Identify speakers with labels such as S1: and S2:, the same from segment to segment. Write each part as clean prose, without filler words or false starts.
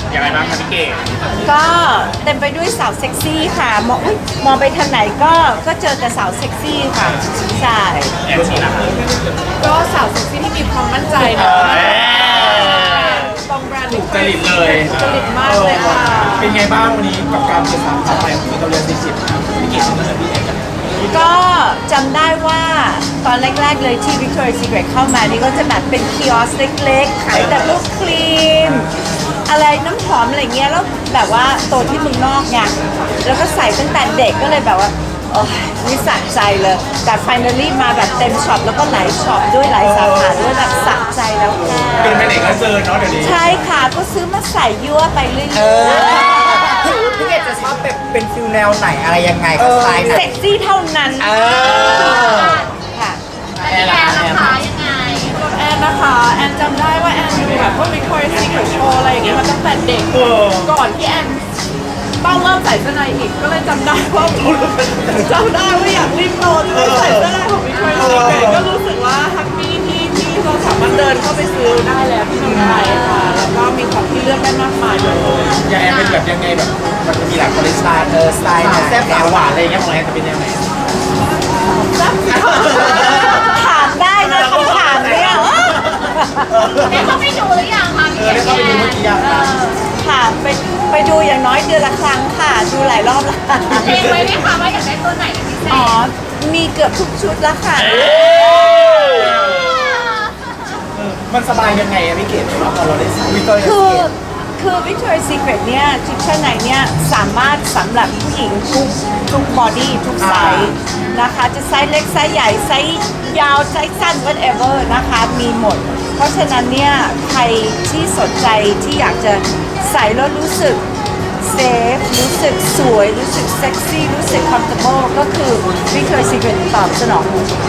S1: อย่างไรบ้างคะพี่เก๋
S2: ก็เต็มไปด้วยสาวเซ็กซี่ค่ะมองไปทางไหนก็เจอแต่สาวเซ็กซี่ค่ะใช่
S1: แอนชีล่ะ
S3: ก็สาวเซ็กซี่ที่มีความมั่นใจนะตรงแบรนด์
S1: ถูกจริตเลย
S3: จริตมากเลยค่ะ
S1: เป็นไงบ้างวันนี้กับการเป็นสาวสาวใหม่ของวิตาเลีย40พี่เก๋เป็นพี่เอกกัน
S2: ก็จำได้ว่าตอนแรกๆเลยที่ Victoria's Secret เข้ามานี่ก็จะแบบเป็นคิออสเล็กๆขายแต่พวกครีมอะไรน้ำหอมอะไรเงี้ยแล้วแบบว่าโตที่เมืองนอกไงแล้วก็ใส่ตั้งแต่เด็กก็เลยแบบว่าโอ้ยนี่สะใจเลยแต่ finally มาแบบเต็มช็อปแล้วก็หลายช็อปด้วยหลายสาขาด้วยแบบสะใจแล้วค่ะ
S1: เป็นไปไหนก็เจอเนาะเดี๋ยวนี้
S2: ใช่ค่ะก็ซื้อมาใส่ยั่วไปเรื่อย
S4: พี่เกดจะชอบแบบเป็นฟิลแนวไหนอะไรยังไงก็สไตล์
S2: ๆ
S4: ไหน
S2: เซ็กซี่เท่านั้นค่ะ
S1: แอนล่ะแอนล่ะ
S3: ส่วนแอนนะคะแอนจำได้ว่าแอนดูแบบพวก Victoria's Secret Show อะไรอย่างเงี้ยมาตั้งแต่เด็กก่อนที่แอนต้องเริ่มใส่เสื้อในอีกก็เลยจำได้ว่าอยากรีบโตเลยใส่เสื้อในของ Victoria's Secret ก็รู้สึกว่าแฮปปี้ที่เราสามารถเดินเข้าไปซื้อได้แล้วที่เมืองไทยค่ะแล้วก็มีของที่เลือกได้มากมายเลย
S1: อย่างแอนเป็นแบบยังไงแบบมันจะมีหลายคอลเลคชัน
S4: สไตล์ไหน
S1: แซ่บสาวหวานอะไรอย่างเงี้ยของแอนจะเป็นแนวไหน
S2: ถามได้นะคำถามเนี่ย
S5: ได้เข้าไปดูหรือยังคะพี่
S1: ได้เข้าไปดูเมื่อกี้ยังคะ
S2: ค่ะไปดูอย่างน้อยเดือนละครั้งค่ะ ดูหลายรอบแล้วค่ะ
S5: เพลงไว้ไหมคะว่าอยากได้ตัวไหนเป็นพิเศษ
S2: อ๋อ มีเกือบทุกชุดแล้วค่ะ
S1: มันสบายยังไงอะพี่เก๋สำหรับพอเราได้ใส่วิตเตอร์
S2: คือ Victoria's Secret เนี่ยชุดชั้นในเนี่ยสามารถสำหรับผู้หญิงทุกบอดี้ทุกไซส์นะคะ จะไซส์เล็กไซส์ใหญ่ไซส์ยาวไซส์สั้น whatever นะคะมีหมด เพราะฉะนั้นเนี่ยใครที่สนใจที่อยากจะใส่แล้วรู้สึกเซฟรู้สึกสวย รู้สึกเซ็กซี่ รู้สึก comfortable ก็คือ Victoria's Secret ตอบสนอง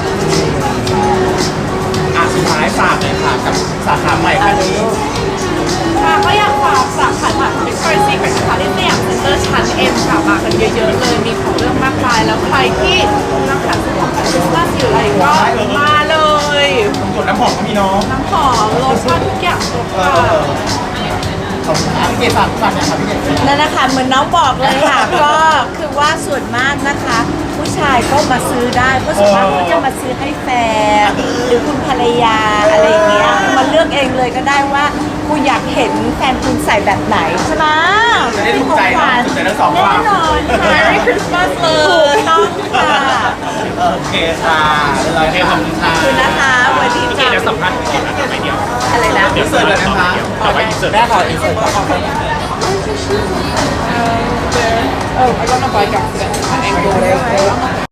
S1: สุดท้ายฝากเลยค่ะกับสาขาใหม่ครั้งนี้
S3: ค่ะก็อยากฝากสาขาใหม่ของ Victoria's Secret นะคะที่สยามเซ็นเตอร์ชั้น M ค่ะมากันเยอะๆเลยมีของเรื่องมากมายแล้วใครที่กำลังหาซื้อของคริสต์มาสอยู่อะไรก็มาเลย
S1: ส่วนน้ำหอมก็มีเนาะ
S3: น้ำหอมโลชั่นทุกอย่างครบค่ะ
S1: ขอบคุณครับพี่เก๋ฝากนะครับพี่เก๋
S2: นั่นนะคะเหมือนน้องบอกเลยค่ะ ก็คือว่าส่วนมากนะคะ ผู้ชายก็มาซื้อได้เพราะส่วนมากเขาจะมาซื้อให้แฟนหรือคุณภรรยาอะไรอย่างเงี้ยมาเลือกเองเลยก็ได้ว่าคุณอยากเห็นแฟนคุณใส่แบบไหนใช่ไหม
S1: จะได้ถูกใจเนาะถูกใจทั้งสองฝ่าย
S2: แน่นอนค่ะ
S3: Merry Christmas เล
S2: ถู
S3: ย
S2: กต้องค่ะ
S1: โอเคค่ะโอเคขอบคุณค่ะ
S2: ขอบคุณนะคะสวัสดีค่ะ
S1: เดี๋ยวสัมภาษณ์ก่อนนะไม่เดียว
S2: อะไรนะ
S1: เดี๋ยวเสิร์ฟเลยนะคะต่อไปเสิร์ฟ
S4: ได้ขออินเสิร์ต
S3: Oh, I got my bike accident. I angled it.